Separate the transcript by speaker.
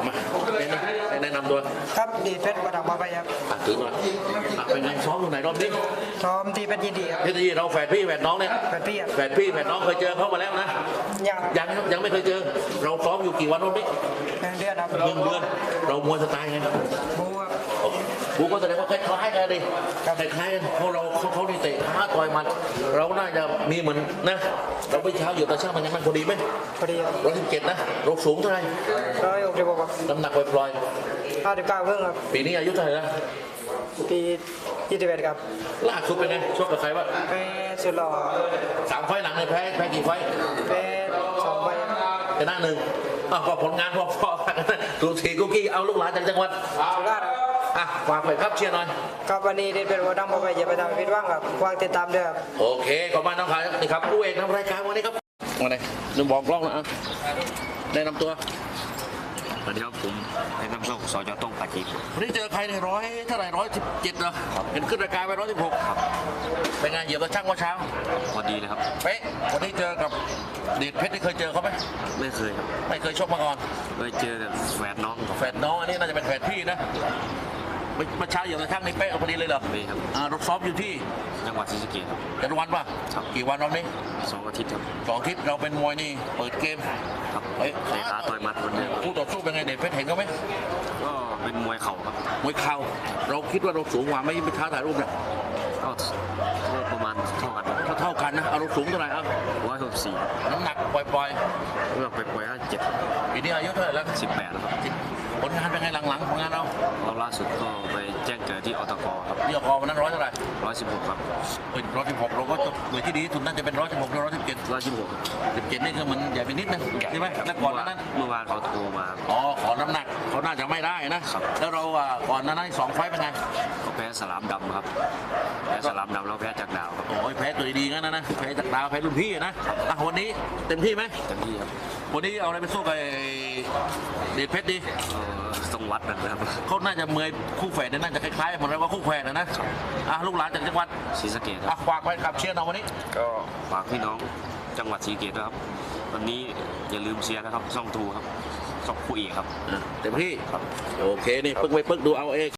Speaker 1: มาแนะนำตัว
Speaker 2: ครับดีเพชรประดับมาไปครับ
Speaker 1: ถึงแล้วเป็นไงซ้อมตรงไหนรอบนี้
Speaker 2: ซ้อมที่เพชรยินดีครับ
Speaker 1: ที่เราแฝดพี่แฝดน้องเนี่ย
Speaker 2: เพชรพี่ครับ
Speaker 1: แฝดพี่แฝดน้องเคยเจอเขามาแล้วนะ ยังไม่เคยเจอเราซ้อมอยู่กี่วันรอบนี้
Speaker 2: 1 เดือนครับ
Speaker 1: 1 เดือนเรามวยสไตล์ไง
Speaker 2: บูครับ
Speaker 1: กูก็แสดงว่าคล้ายๆกันดิคล้ายๆกันเพราะเขานี่เตะขาต่อยมันเราน่าจะมีเหมือนนะเราไปเช้าอยู่แต่เช้ามันยังมันพอดีไหม
Speaker 2: พอดีครับ
Speaker 1: 117นะเราสูงเท่าไหร่
Speaker 2: 166ครับ
Speaker 1: น้ำหนักปล่อย
Speaker 2: 59ครึ่งครับ
Speaker 1: ๆปีนี้อายุเท่าไหร่แล้ว
Speaker 2: ปี21ครับ
Speaker 1: ล่าสุดเป็นไงชกกับใครวะ
Speaker 2: ไปสุดหล่อ
Speaker 1: 3 ไฟล์หลังเลยแพ้กี่ไฟล์
Speaker 2: ไป2 ใบ
Speaker 1: ชนะ1ก็ผลงานพอๆกันถูกทีกุ๊กกี้เอาลูกหลานจากจังหวัด
Speaker 2: สุราษฎร์ครับ
Speaker 1: ฝากไปครับเชียร์หน่อย
Speaker 2: ครับวันนี้ดีเพชรประดับมาไปอย่าไปทำให้ผิดหวังครับวางติดตามด้วยครับ
Speaker 1: โอเคขอบคุณน้องขายนี่ครับผู้เอกนำรายการวันนี้ครับวันไหนลืมบอกกล้องนะแนะนำตัว
Speaker 3: สวัสดีครับผมในน้ำส้มสจต้องปาจีบ
Speaker 1: วันนี้เจอใครในเท่าไหร่117เหรอเห็นขึ้นรายการไป116ครับเป็นไงเหยียบตะช่างว่าเช้า
Speaker 3: พอดีเลยครับ
Speaker 1: เป๊ะวันนี้เจอกับเดชเพชรที่เคยเจอเขาไหม
Speaker 3: ไม่เคยครับ
Speaker 1: ไม่เคยชกมาก่อน
Speaker 3: เคยเจอแต่แฝดน้องกับ
Speaker 1: แฝดน้องอันนี้น่าจะเป็นแฝดพี่นะเมื่อเช้าเหยียบตะช่างนี่เป๊ะพอดีเลยเหรอ
Speaker 3: เมย์ครับ
Speaker 1: รถซ้อมอยู่ที่
Speaker 3: จังหวัดศรีสะเกษครับ
Speaker 1: จันวันป่ะ
Speaker 3: ครับ
Speaker 1: กี่วันรอบนี้
Speaker 3: 2 อาทิตย์ครับ
Speaker 1: 2 อาทิตย์เราเป็นมวยนี่เปิดเกม
Speaker 3: ครับ
Speaker 1: เฮ้ย
Speaker 3: เตะขาต่อยหมัดคนเดียว
Speaker 1: คู่ต่อสู้เป็นไงเดชเพชรเห็นเขาไหม
Speaker 3: ก็เป็นมวยเข่าครับ
Speaker 1: มวยเข่าเราคิดว่าเราสูงกว่าไม่ท้าถ่ายรูปนะ
Speaker 3: ก็ประมาณเท่ากันครับ
Speaker 1: เท่ากันนะเอาเราสูงเท่าไหร่เอา
Speaker 3: 164
Speaker 1: น้ำหนักปล่อย
Speaker 3: เมื่อไปปล่อย57
Speaker 1: ๆปีนี้อายุเท่าไหร่แล้ว
Speaker 3: 18แล้วครับ
Speaker 1: ผลงานเป็นไงหลังๆผลงานเรา
Speaker 3: แล้วล่าสุดก็ไปแจ้งเกิดที่อตกครับ
Speaker 1: ที่ออกวันนั้น100เท่าไหร่
Speaker 3: 116ครับ
Speaker 1: เป็น116เราก็จะหน่วยที่ดีที่สุดน่าจะเป็น116หรือ117
Speaker 3: 116ครับ
Speaker 1: 17นี่คือมันใหญ่ไปนิดนึงใช่ไหมแล้วก่อนหนานั้น
Speaker 3: เมื่อวานเขาโทรมา
Speaker 1: อ๋อขอน้ำหนักเขาน่าจะไม่ได้นะครับ แล้วเราก่อนหนานั้น2 ไฟต์เป็นไง
Speaker 3: ก็แพ้สลามดำครับแพ้สลามดำแล้วแพ้จากดาวครับ
Speaker 1: โอ้ยแพ้ตัวดีๆงั้นนะแพ้จากดาวแพ้รุ่นพี่นะวันนี้เต็มที่ไหม
Speaker 3: เต็มที่ครับ
Speaker 1: วันนี้เอาอะไรไปสู้กับเดชเพชรดี
Speaker 3: ต้องวัดกันนะครับ
Speaker 1: เขาน่าจะเมยคู่แฝดเนี่ยน่าจะคล้ายๆเหมือนเราว่าคู่แฝดนะลูกหลานจากจังหวัด
Speaker 3: ศรีสะเกษครับ
Speaker 1: ฝากไปขับเชียร์เราวันนี้
Speaker 3: ก็ฝากพี่น้องจังหวัดศรีสะเกษด้วยครับ วันนี้อย่าลืมเชียร์นะครับช่องทูครับช่องคู่เอกครับ
Speaker 1: เต็มที่โอเคนี่ปึ๊กไปปึ๊กดูเอาเอง